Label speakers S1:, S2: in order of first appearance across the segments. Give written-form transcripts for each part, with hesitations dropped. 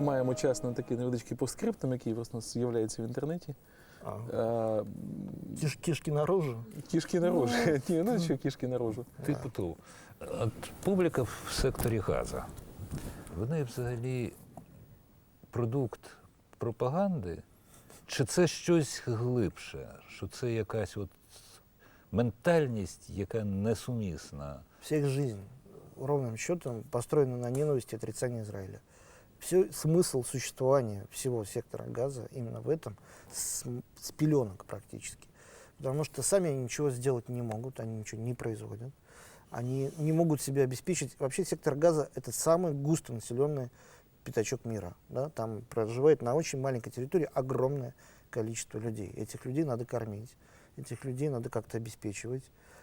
S1: маємо час на такий невеличкий постскриптум, який у нас з'являється в інтернеті.
S2: Кішки наружу?
S1: Кішки наружу. Ні, ну що кішки наружу.
S3: Типу того. От публіка в секторі Газа, вони взагалі продукт пропаганди? Чи це щось глибше? Що це якась от ментальність, яка несумісна?
S2: Вся их жизнь, ровным счетом, построена на ненависти и отрицании Израиля. Смысл существования всего сектора Газа именно в этом, с пеленок практически. Потому что сами они ничего сделать не могут, они ничего не производят. Они не могут себя обеспечить. Вообще сектор Газа — это самый густонаселенный пятачок мира. Да? Там проживает на очень маленькой территории огромное количество людей. Этих людей надо кормить, этих людей надо как-то обеспечивать.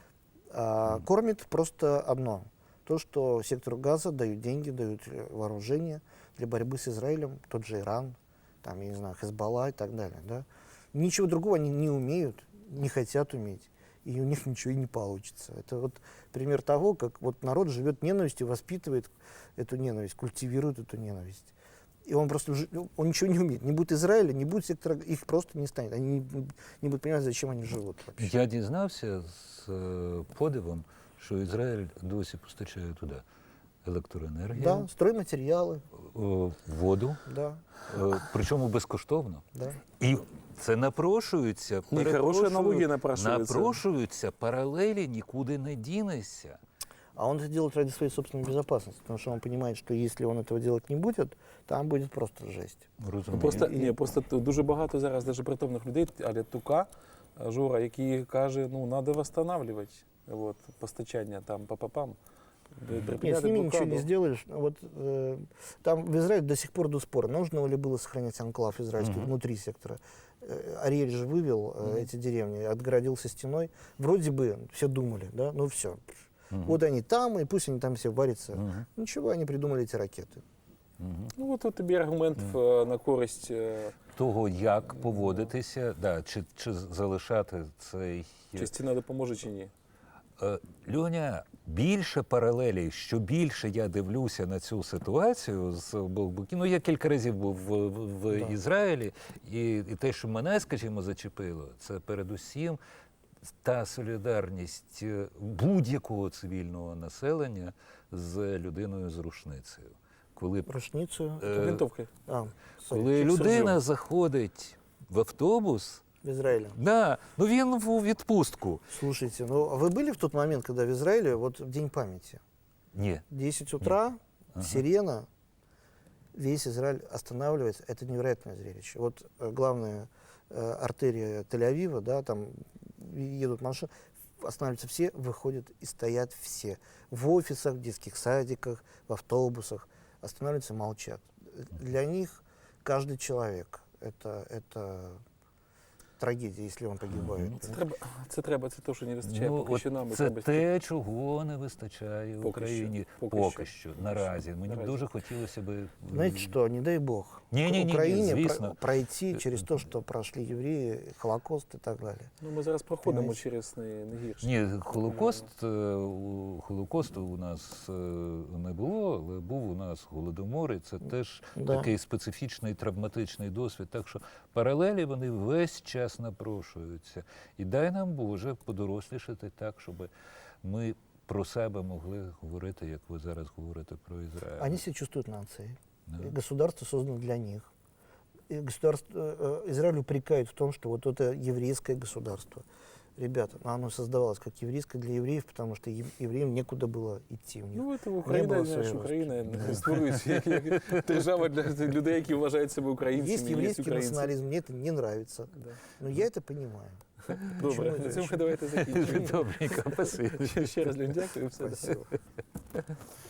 S2: Кормит просто одно. То, что сектору Газа дают деньги, дают вооружение для борьбы с Израилем, тот же Иран, там, я не знаю, Хезболла и так далее. Да? Ничего другого они не умеют, не хотят уметь, и у них ничего и не получится. Это вот пример того, как вот народ живет ненавистью, воспитывает эту ненависть, культивирует эту ненависть. И он просто он ничего не умеет. Не будет Израиля, не будет сектора, их просто не станет. Они не будут понимать, зачем они живут вообще.
S3: Я дізнався з подивом, що Ізраїль досі постачає туди електроенергію,
S2: Да, стройматериалы.
S3: Воду,
S2: Да,
S3: причому безкоштовно.
S2: да.
S3: І це напрошується,
S1: хороша аналогія напрашується.
S3: напрошуються паралелі, нікуди не дінешся.
S2: А он это делает ради своей собственной безопасности, потому что он понимает, что если он этого делать не будет, там будет просто жесть.
S3: Розумію.
S1: Просто дуже багато зараз даже притомних людей, але Тука, Жора, які каже, ну, треба восстанавливати постачання там па-па-пам.
S2: Нет, с ними ничего не сделаешь. Вот, там в Израиле до сих пор до спора, нужно ли было сохранять анклав израильский внутри сектора. Ариэль же вывел эти деревни, отгородился стеной. Вроде бы все думали, да, ну все. Вот они там, и пусть они там все варятся. Ничего, они придумали эти ракеты.
S1: Ну, от тобі аргумент на користь
S3: Того, як поводитися, да, чи залишати цей...
S1: чи стіна допоможе, чи ні.
S3: Льоня, більше паралелей, що більше я дивлюся на цю ситуацію з обох боків. Ну, я кілька разів був в Ізраїлі, і те, що мене, скажімо, зачепило, це передусім та солідарність будь-якого цивільного населення з людиною з рушницею. Коли,
S2: Рушницу.
S1: Винтовки.
S3: коли людина заходить в автобус,
S2: В Израиле.
S3: да, ну він у відпустку.
S2: Слушайте, ну а вы были в тот момент, когда в Израиле, вот в День памяти,
S3: Ні.
S2: 10 утра, сирена, весь Израиль останавливается, это невероятное зрелище. Вот главная артерия Тель-Авива, да, там едут машины, останавливаются все, выходят и стоят все. В офисах, в детских садиках, в автобусах, останавливаются, молчат. Для них каждый человек это трагедія, якщо він погибає.
S1: Це те, що не вистачає поки що нам.
S3: Це те, чого не вистачає в Україні поки що, наразі. Мені б дуже хотілося б...
S2: Знаете что, не дай Бог, Україні пройти через те, що пройшли євреї, Холокост і так далі.
S1: Ну, ми зараз проходимо через не гірше.
S3: Ні, Холокосту у нас не було, але був у нас Голодомор, і це теж такий специфічний травматичний досвід. Так що паралелі вони весь час напрошуються. І дай нам, Боже, подорослішати так, щоб ми про себе могли говорити, як ви зараз говорите про Израиль.
S2: Они себя чувствуют нацией.
S3: Да.
S2: И государство создано для них. И Израиль упрекает в том, что вот это еврейское государство. Ребята, оно создавалось как еврейское для евреев, потому что евреям некуда было идти. У них
S1: ну, це Україна, Україна створюється як держава для людей, які вважають себе українцями.
S2: Есть еврейский национализм, мне это не нравится.
S1: Да.
S2: Но я это понимаю.
S1: Добре, на цьому давайте закінчимо.
S3: Добренько, спасибо.
S1: Ще раз, Лень, дякую. Все.
S2: Спасибо.